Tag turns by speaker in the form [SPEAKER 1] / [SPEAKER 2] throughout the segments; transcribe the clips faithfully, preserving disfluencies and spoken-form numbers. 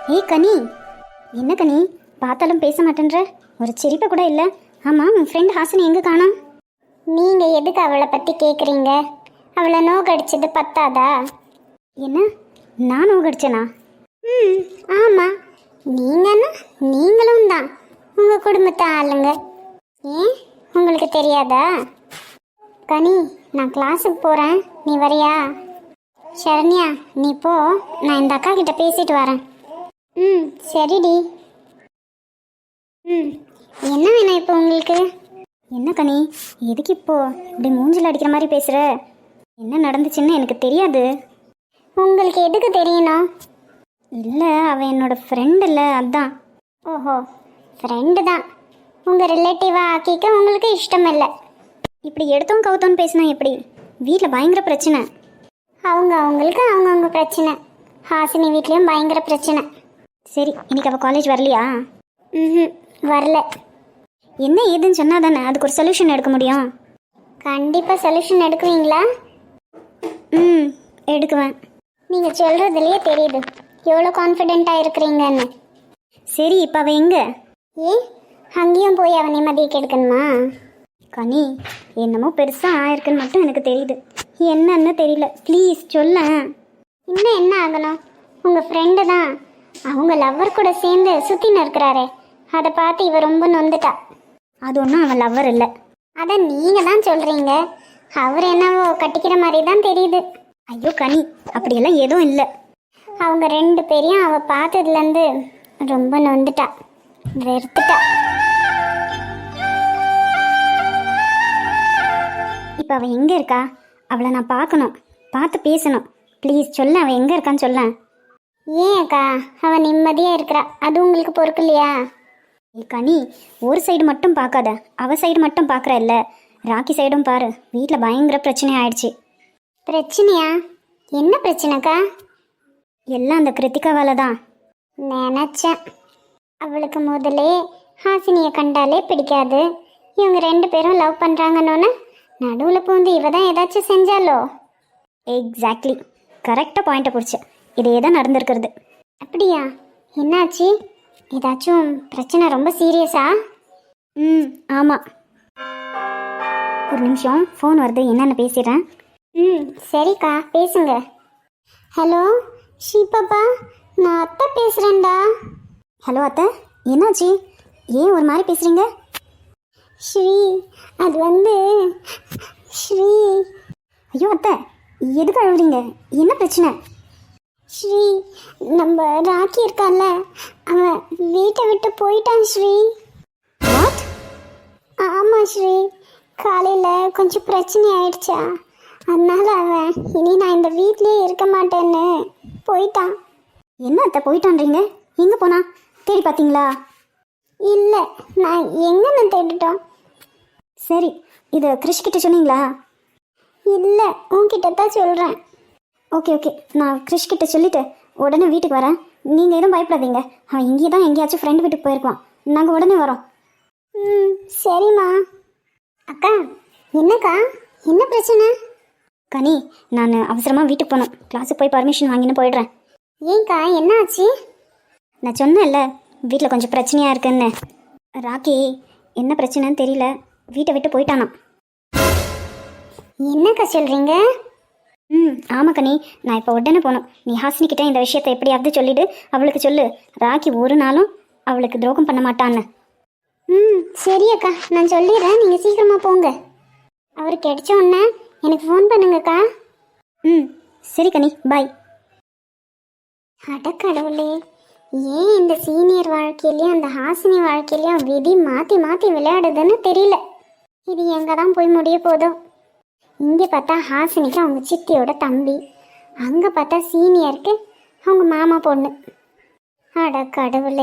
[SPEAKER 1] ஏய் கனி, என்ன கனி பார்த்தாலும் பேச மாட்டேன்ற, ஒரு சிரிப்பை கூட இல்லை. ஆமாம், உன் ஃப்ரெண்ட் ஹாசினி எங்கே காணோம்?
[SPEAKER 2] நீங்கள் எதுக்கு அவளை பற்றி கேட்குறீங்க? அவளை நோக்கடிச்சது பத்தாதா?
[SPEAKER 1] என்ன, நான் நோகடிச்சேனா?
[SPEAKER 2] ம் ஆமாம், நீங்கன்னா நீங்களும் தான் உங்கள் குடும்பத்தை ஆளுங்க. ஏன் உங்களுக்கு தெரியாதா? கனி, நான் கிளாஸுக்கு போகிறேன், நீ வரியா? சரண்யா, நீ போ, நான் இந்த அக்கா கிட்ட பேசிட்டு வரேன். ம் சரிடி. ம் என்ன வேணும் இப்போ உங்களுக்கு?
[SPEAKER 1] என்ன கனி, எதுக்கு இப்போ இப்படி மூஞ்சில் அடிக்கிற மாதிரி பேசுகிற? என்ன நடந்துச்சுன்னு எனக்கு தெரியாது.
[SPEAKER 2] உங்களுக்கு எதுக்கு தெரியணும்?
[SPEAKER 1] இல்லை, அவன் என்னோட ஃப்ரெண்ட் இல்லை, அதான்.
[SPEAKER 2] ஓஹோ, ஃப்ரெண்டு தான். உங்கள் ரிலேட்டிவாக ஆக்கிக்க உங்களுக்கு இஷ்டம் இல்லை.
[SPEAKER 1] இப்படி எடுத்தோம் கவுத்தோன்னு பேசினா எப்படி? வீட்டில் பயங்கர பிரச்சனை.
[SPEAKER 2] அவங்க அவங்களுக்கு அவங்கவுங்க பிரச்சனை. ஹாசினி வீட்லேயும் பயங்கர பிரச்சனை.
[SPEAKER 1] சரி, இன்னைக்கு அவள் காலேஜ் வரலையா?
[SPEAKER 2] ம் வரல.
[SPEAKER 1] என்ன ஏதுன்னு சொன்னால் தானே அதுக்கு ஒரு சொல்யூஷன் எடுக்க முடியும்.
[SPEAKER 2] கண்டிப்பாக சொல்யூஷன் எடுக்குவீங்களா?
[SPEAKER 1] ம் எடுக்குவேன்.
[SPEAKER 2] நீங்கள் சொல்கிறதுலையே தெரியுது எவ்வளோ கான்ஃபிடெண்ட்டாக இருக்கிறீங்கன்னு.
[SPEAKER 1] சரி, இப்போ அவள் எங்கே?
[SPEAKER 2] ஏன் அங்கேயும் போய் அவன் நிம்மதியை கெடுக்கணுமா?
[SPEAKER 1] கனி, என்னமோ பெருசாக ஆயிருக்குன்னு மட்டும் எனக்கு தெரியுது, என்னன்னு தெரியல. ப்ளீஸ் சொல்ல.
[SPEAKER 2] இன்னும் என்ன ஆகணும்? உங்கள் ஃப்ரெண்டு தான் அவங்க லவ்வர் கூட சேர்ந்து சுற்றின்னு இருக்கிறாரே, அதை பார்த்து இவ ரொம்ப நொந்துட்டா.
[SPEAKER 1] அது ஒன்றும் அவன் லவ்வர் இல்லை.
[SPEAKER 2] அதை நீங்கள் தான் சொல்கிறீங்க, அவர் என்னவோ கட்டிக்கிற மாதிரி தான் தெரியுது.
[SPEAKER 1] ஐயோ கனி, அப்படியெல்லாம் எதுவும் இல்லை.
[SPEAKER 2] அவங்க ரெண்டு பேரையும் அவள் பார்த்ததுலேருந்து ரொம்ப நொந்துட்டா, வெறுத்துட்டா.
[SPEAKER 1] இப்போ அவள் எங்கே இருக்கா? அவளை நான் பார்க்கணும், பார்த்து பேசணும். ப்ளீஸ் சொல்ல, அவள் எங்கே இருக்கான்னு சொல்ல.
[SPEAKER 2] ஏன் அக்கா, அவள் நிம்மதியாக இருக்கிறா, அது உங்களுக்கு பொறுக்கலையா?
[SPEAKER 1] ஏ கனி, ஒரு சைடு மட்டும் பார்க்காத, அவள் சைடு மட்டும் பார்க்குற இல்லை, ராக்கி சைடும் பாரு. வீட்டில் பயங்கர பிரச்சனை ஆயிடுச்சு.
[SPEAKER 2] பிரச்சனையா? என்ன பிரச்சனைக்கா?
[SPEAKER 1] எல்லாம் அந்த கிருத்திகாவால தான்.
[SPEAKER 2] நினச்சேன். அவளுக்கு முதலே ஹாசினியை கண்டாலே பிடிக்காது. இவங்க ரெண்டு பேரும் லவ் பண்ணுறாங்கன்னு நடுவில் பூந்து இவ தான் ஏதாச்சும் செஞ்சாலோ?
[SPEAKER 1] எக்ஸாக்ட்லி, கரெக்டாக பாயிண்ட்டை பிடிச்ச. இதே தான் நடந்திருக்கிறது.
[SPEAKER 2] அப்படியா? என்னாச்சு? ஏதாச்சும் பிரச்சனை ரொம்ப சீரியஸா?
[SPEAKER 1] ம் ஆமாம். ஒரு நிமிஷம், ஃபோன் வருது, என்னென்னு பேசிடுறேன்.
[SPEAKER 2] ம் சரிக்கா, பேசுங்க. ஹலோ ஸ்ரீபாப்பா, நான் அத்தை பேசுகிறேன்டா.
[SPEAKER 1] ஹலோ அத்தை, என்னாச்சு? ஏன் ஒரு மாதிரி பேசுகிறீங்க?
[SPEAKER 2] ஸ்ரீ, அது வந்து ஸ்ரீ.
[SPEAKER 1] ஐயோ அத்தை, எதுக்கு அழுகுறீங்க? என்ன பிரச்சனை?
[SPEAKER 2] ஸ்ரீ, நம்ம ராக்கி இருக்கான்ல, அவன் வீட்டை விட்டு போயிட்டான் ஸ்ரீ.
[SPEAKER 1] வாட்?
[SPEAKER 2] ஆமாம் ஸ்ரீ, காலையில் கொஞ்சம் பிரச்சனை ஆயிடுச்சா, அதனால அவன் இனி நான் இந்த வீட்லேயே இருக்க மாட்டேன்னு போயிட்டான்.
[SPEAKER 1] என்ன அத்தை போயிட்டான்றீங்க? எங்கே போனா? தேடி பார்த்தீங்களா?
[SPEAKER 2] இல்லை, நான் எங்கன்னு தேடிட்டோம்.
[SPEAKER 1] சரி, இதை கிருஷ்கிட்ட சொன்னீங்களா?
[SPEAKER 2] இல்லை, உன்கிட்ட தான் சொல்கிறேன்.
[SPEAKER 1] ஓகே ஓகே, நான் கிருஷ்கிட்ட சொல்லிவிட்டு உடனே வீட்டுக்கு வரேன். நீங்கள் எதுவும் பயப்படாதீங்க, அவன் இங்கே தான் எங்கேயாச்சும் ஃப்ரெண்டு வீட்டுக்கு போயிருப்பான். நாங்கள் உடனே வரோம்.
[SPEAKER 2] ம் சரிம்மா. அக்கா, என்னக்கா, என்ன பிரச்சனை?
[SPEAKER 1] கனி, நான் அவசரமாக வீட்டுக்கு போகணும், கிளாஸுக்கு போய் பர்மிஷன் வாங்கின்னு போயிடுறேன்.
[SPEAKER 2] ஏன்க்கா, என்ன ஆச்சு?
[SPEAKER 1] நான் சொன்னேன்ல, வீட்டில் கொஞ்சம் பிரச்சனையாக இருக்குன்னு. ராக்கி என்ன பிரச்சனைன்னு தெரியல, வீட்டை விட்டு போயிட்டானா.
[SPEAKER 2] என்னக்கா சொல்கிறீங்க?
[SPEAKER 1] ம் ஆமாம் கனி, நான் இப்போ உடனே போகணும். நீ ஹாசினிக்கிட்ட இந்த விஷயத்தை எப்படியாவது சொல்லிவிடு, அவளுக்கு சொல்லு, ராக்கி ஒரு நாளும் அவளுக்கு துரோகம் பண்ண மாட்டான்னு.
[SPEAKER 2] ம் சரி அக்கா, நான் சொல்லிடுறேன், நீங்கள் சீக்கிரமாக போங்க. அவர் கிடைச்ச உடனே எனக்கு ஃபோன் பண்ணுங்கக்கா.
[SPEAKER 1] ம் சரி கனி, பாய்.
[SPEAKER 2] அடக்கடவுளே, ஏன் இந்த சீனியர் வாழ்க்கையிலையும் அந்த ஹாசினி வாழ்க்கையிலையும் விதி மாற்றி மாற்றி விளையாடுதுன்னு தெரியல. இது எங்கே தான் போய் முடிய போதோ. இங்கே பார்த்தா ஹாசினிக்கு அவங்க சித்தியோட தம்பி, அங்கே பார்த்தா சீனியருக்கு அவங்க மாமா பொண்ணு. அட கடவுளே.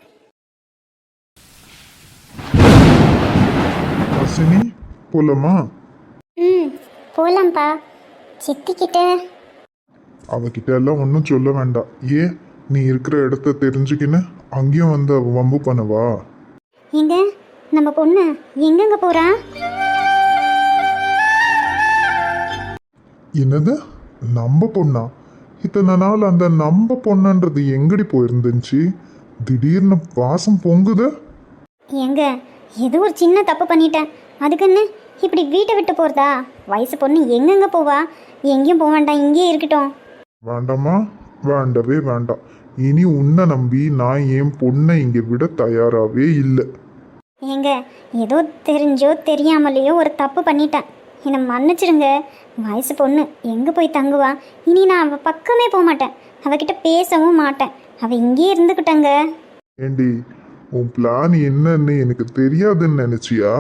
[SPEAKER 3] ஹாசினி, போலாமா?
[SPEAKER 2] ம் போலாம்ப்பா. சித்திக்கிட்ட
[SPEAKER 3] அவகிட்ட எல்லாம் ஒன்றும் சொல்ல வேண்டாம். ஏன், நீ இருக்கிற இடத்த தெரிஞ்சுக்கின்னு அங்கேயும் வந்து அவ வம்பு பண்ணவா?
[SPEAKER 1] எங்க நம்ம பொண்ணு எங்கெங்க போறா?
[SPEAKER 3] என்னது, நம்ம பொண்ணா? இத்தனை நாள் அந்த நம்ப பொண்ணுன்றது எங்கடி போயிருந்துச்சு? திடீர்னு வாசம் பொங்குது.
[SPEAKER 1] எங்க ஏதோ ஒரு சின்ன தப்பு பண்ணிட்டேன், அதுக்குன்னு இப்படி வீட்டை விட்டு போகிறதா? வயசு பொண்ணு எங்கெங்க போவா? எங்கேயும் போக வேண்டாம், இங்கேயே இருக்கட்டும்.
[SPEAKER 3] வேண்டாமா? வேண்டவே வேண்டாம். இனி உன்னை நம்பி நான் என் பொண்ணை இங்கே விட தயாராகவே இல்லை.
[SPEAKER 1] ஏங்க ஏதோ தெரிஞ்சோ தெரியாமலேயோ ஒரு தப்பு பண்ணிட்டேன், என்னை மன்னிச்சிடுங்க. வயசு பொண்ணு எங்கே போய் தங்குவா? இனி நான் அவள் பக்கமே போக மாட்டேன், அவகிட்ட பேசவும் மாட்டேன், அவள் இங்கேயே இருந்துக்கிட்டங்க.
[SPEAKER 3] ஏண்டி, உன் பிளான் என்னன்னு எனக்கு தெரியாதுன்னு நினைச்சியா?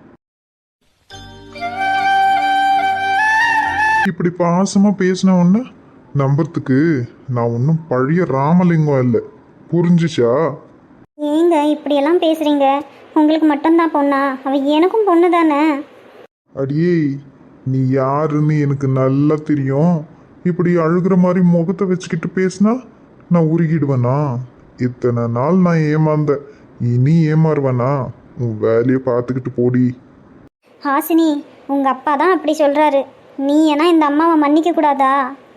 [SPEAKER 3] இப்படி பாசமா பேசின உடனே நம்புறதுக்கு நான் ஒன்றும் பழைய ராமலிங்கம் இல்லை, புரிஞ்சுச்சா?
[SPEAKER 1] ஏங்க இப்படியெல்லாம் பேசுகிறீங்க? உங்களுக்கு மட்டும்தான் பொண்ணா? அவள் எனக்கும் பொண்ணு தானே.
[SPEAKER 3] அடியே, நீ யாருன்னு எனக்கு நல்லா தெரியும். இப்படி அழுகிற மாதிரி முகத்தை வச்சுக்கிட்டு பேசினா நான் உருகிடுவேனா? இத்தனை நாள் நான் ஏமாந்தேன், இனி ஏமாறுவேனா? உன் வேலையை பார்த்துக்கிட்டு போடி.
[SPEAKER 1] ஹாசினி, உங்கள் அப்பா தான் அப்படி சொல்கிறாரு, நீ ஏன்னா இந்த அம்மாவை மன்னிக்க கூடாதா?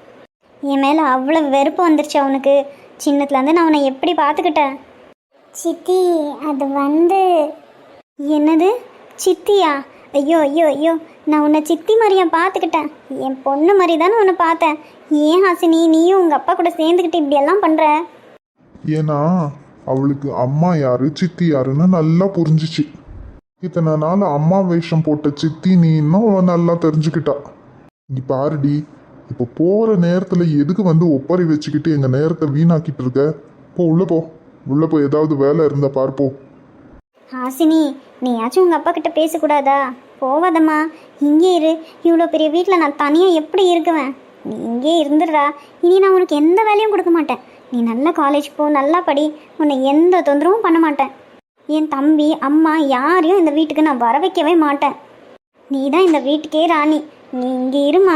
[SPEAKER 1] என் மேலே அவ்வளோ வெறுப்பு வந்துருச்சு அவனுக்கு. சின்னத்துலேருந்து நான் அவனை எப்படி பார்த்துக்கிட்டேன்.
[SPEAKER 2] சித்தி அது வந்து
[SPEAKER 1] என்னது சித்தியா? ஐயோ ஐயோ ஐயோ, நான் உன்னை சித்தி மாதிரியா பார்த்துக்கிட்டேன்? என் பொண்ணு மாதிரி தானே உன்னை பார்த்தேன். ஏன் ஹாசினி, நீயும் உங்கள் அப்பா கூட சேர்ந்துக்கிட்டு இப்படியெல்லாம் பண்ணுற?
[SPEAKER 3] ஏன்னா அவளுக்கு அம்மா யாரு சித்தி யாருன்னு நல்லா புரிஞ்சிச்சு. இத்தனை நாள் அம்மா வேஷம் போட்ட சித்தி நீ இன்னும் அவ நல்லா தெரிஞ்சுக்கிட்டா. நீ பாருடி, இப்போ போகிற நேரத்தில் எதுக்கு வந்து ஒப்பறை வச்சுக்கிட்டு எங்கள் நேரத்தை வீணாக்கிட்டு இருக்க? போ உள்ள போ, உள்ள போய் ஏதாவது வேலை இருந்தா பார்ப்போம்.
[SPEAKER 1] ஹாசினி, நீயாச்சும் உங்கள் அப்பா கிட்ட பேசக்கூடாதா? போவாதம்மா, இங்கே இரு. இவ்வளோ பெரிய வீட்டில் நான் தனியாக எப்படி இருக்குவேன்? நீ இங்கே இருந்துடுறா. இனி நான் உனக்கு எந்த வேலையும் கொடுக்க மாட்டேன். நீ நல்ல காலேஜ் போ, நல்லா படி, உன்னை எந்த தொந்தரவும் பண்ண மாட்டேன். என் தம்பி அம்மா யாரையும் இந்த வீட்டுக்கு நான் வர வைக்கவே மாட்டேன். நீ தான் இந்த வீட்டுக்கே ராணி. நீ இங்கே இருமா.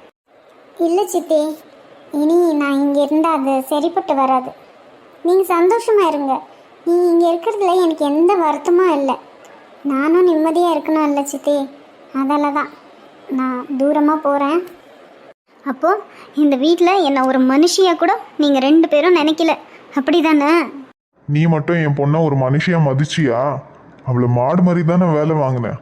[SPEAKER 2] இல்லை சித்தி, இனி நான் இங்கே இருந்தால் அது சரிப்பட்டு வராது. நீங்கள் சந்தோஷமாக இருங்க. நீங்கள் இங்கே இருக்கிறதுல எனக்கு எந்த வருத்தமும் இல்லை. நானும் நிம்மதியாக இருக்கணும் இல்லை சித்தி, அதால தான் நான் தூரமாக போகிறேன்.
[SPEAKER 1] அப்போது இந்த வீட்டில் என்னை ஒரு மனுஷியாக கூட நீங்கள் ரெண்டு பேரும் நினைக்கல, அப்படி தானே?
[SPEAKER 3] நீ மட்டும் என் பொண்ணை ஒரு மனுஷியா மதிச்சியா? அவளை மாடு மாதிரி தானே வேலை வாங்கினேன்.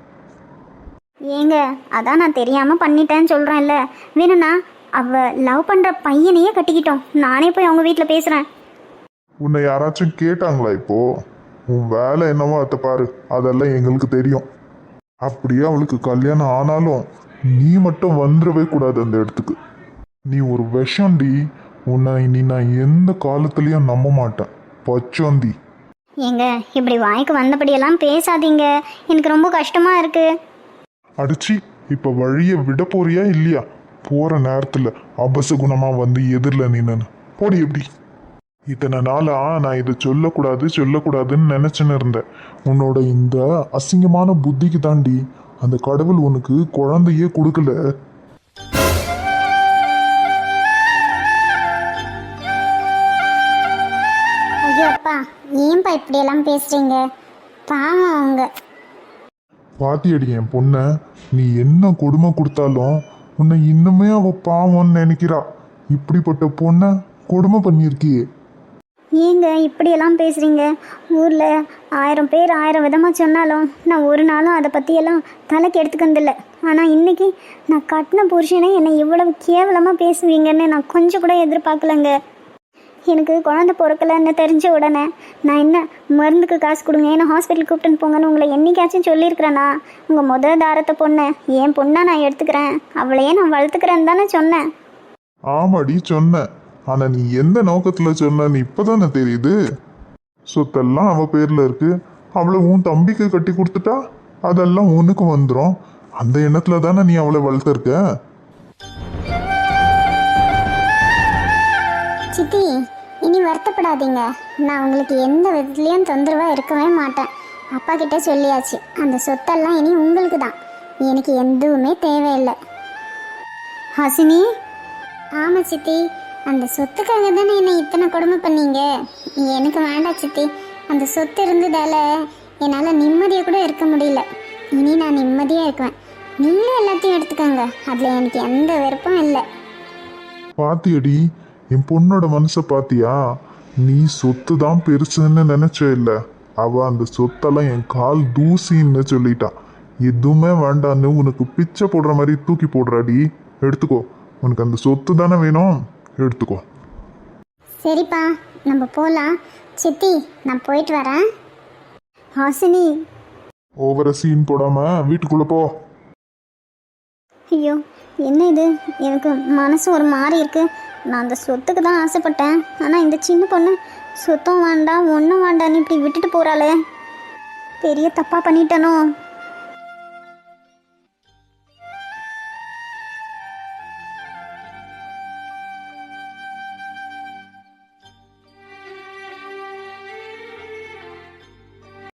[SPEAKER 1] ஏங்க அதான் நான் தெரியாமல் பண்ணிட்டேன்னு சொல்கிறேன்ல. வேணும்னா அவள் லவ் பண்ணுற பையனையே கட்டிக்கிட்டோம், நானே போய் அவங்க வீட்டில் பேசுகிறேன்.
[SPEAKER 3] உன்னை யாராச்சும் கேட்டாங்களா? இப்போ உன் வேலை என்னவோ அதை பாரு, அதெல்லாம் எங்களுக்கு தெரியும். அப்படியே அவளுக்கு கல்யாணம் ஆனாலும் நீ மட்டும் வந்துடவே கூடாது அந்த இடத்துக்கு. நீ ஒரு விஷம்டி, உன்னை இனி நான் எந்த காலத்துலேயும் நம்ப மாட்டேன். பச்சோந்தி.
[SPEAKER 1] ஏங்க இப்படி வாய்க்கு வந்தபடியெல்லாம் பேசாதீங்க, எனக்கு ரொம்ப கஷ்டமாக இருக்குது.
[SPEAKER 3] அடிச்சு இப்போ வழியை விட போறியா இல்லையா? போகிற நேரத்தில் அபசகுணமாக வந்து எதிரில் நின்னு போடி. எப்படி இத்தனை நாளா நான் இதை சொல்லக்கூடாது சொல்லக்கூடாதுன்னு நினச்சின்னு இருந்தேன். உன்னோட இந்த அசிங்கமான புத்திக்கு தாண்டி அந்த கடவுள் உனக்கு குழந்தையே கொடுக்கல.
[SPEAKER 2] ஐயோ அப்பா, ஏன்பா இப்படியெல்லாம் பேசுகிறீங்க? பாவம் அவங்க.
[SPEAKER 3] பாத்தியடி என் பொண்ணை, நீ என்ன கொடுமை கொடுத்தாலும் உன்னை இன்னுமே அவ பாவம்னு நினைக்கிறா. இப்படிப்பட்ட பொண்ணை கொடுமை பண்ணியிருக்கியே.
[SPEAKER 1] ஏங்க இப்படியெல்லாம் பேசுகிறீங்க? ஊரில் ஆயிரம் பேர் ஆயிரம் விதமாக சொன்னாலும் நான் ஒரு நாளும் அதை பற்றியெல்லாம் தலைக்கு எடுத்துக்கிறதில்ல. ஆனால் இன்றைக்கி நான் கட்டின புருஷனே என்னை இவ்வளவு கேவலமாக பேசுவீங்கன்னு நான் கொஞ்சம் கூட எதிர்பார்க்கலங்க. எனக்கு குழந்தை பிறக்கலன்னு தெரிஞ்ச உடனே நான் என்ன மருந்துக்கு காசு கொடுங்க, ஏன்னா ஹாஸ்பிட்டல் கூப்பிட்டுன்னு போங்கன்னு உங்களை என்னைக்காச்சும் சொல்லியிருக்கிறேன்னா? உங்கள் முதல் தாரத்தை பொண்ணை என் பொண்ணாக நான் எடுத்துக்கிறேன், அவளையே நான் வளர்த்துக்கிறேன்னு தானே சொன்னேன்.
[SPEAKER 3] ஆமாடி சொன்ன, ஆனா நீ எந்த நோக்கத்துல சொன்னன்னு இப்பதானே தெரியுது. சொத்தெல்லாம் அவ பேர்ல இருக்கு, அவளை உன் தம்பிக்கு கட்டி கொடுத்துட்டா அதெல்லாம் உனக்கு வந்துடும். அந்த எண்ணத்துல தானே நீ அவளை வளர்த்துருக்க.
[SPEAKER 2] சித்தி, இனி வருத்தப்படாதீங்க. நான் உங்களுக்கு எந்த விதத்துலேயும் தொந்தரவாக இருக்கவே மாட்டேன். அப்பா கிட்ட சொல்லியாச்சு, அந்த சொத்தெல்லாம் இனி உங்களுக்கு தான். எனக்கு எதுவுமே தேவையில்லை.
[SPEAKER 1] ஹாசினி.
[SPEAKER 2] ஆமாம் சித்தி, அந்த சொத்துக்காக தானே என்னை இத்தனை கொடுமை பண்ணீங்க. எனக்கு வேண்டாம் சித்தி, அந்த சொத்து இருந்ததால என்னால் நிம்மதியாக கூட இருக்க முடியல. இனி நான் நிம்மதியாக இருக்குவேன். நீங்களே எல்லாத்தையும் எடுத்துக்கோங்க, அதில் எனக்கு எந்த விருப்பம் இல்லை.
[SPEAKER 3] பாத்தியடி, என் பொண்ணோட மனசை பாத்தியா? நீ சொத்து தான் பெருசுன்னு நினைச்ச இல்ல, அவ அந்த சொத்தெல்லாம் என் கால் தூசின்னு சொல்லிட்டா. எதுவுமே வேண்டான்னு உனக்கு பிச்சை போடுற மாதிரி தூக்கி போடுறாடி. எடுத்துக்கோ, உனக்கு அந்த சொத்து தானே வேணும், எடுத்துக்கோ.
[SPEAKER 2] சரிப்பா, நம்ம போகலாம். சித்தி, நான் போயிட்டு வரேன்.
[SPEAKER 1] ஹாசினி,
[SPEAKER 3] ஓவர சீன் போடாம வீட்டுக்குள்ள போ.
[SPEAKER 1] ஐயோ என்ன இது, எனக்கு மனசு ஒரு மாதிரி இருக்கு. நான் அந்த சொத்துக்கு தான் ஆசைப்பட்டேன், ஆனால் இந்த சின்ன பொண்ணு சொத்தம் வேண்டாம் ஒன்றும் வேண்டான்னு இப்படி விட்டுட்டு போகிறாளே, பெரிய தப்பாக பண்ணிட்டனோ.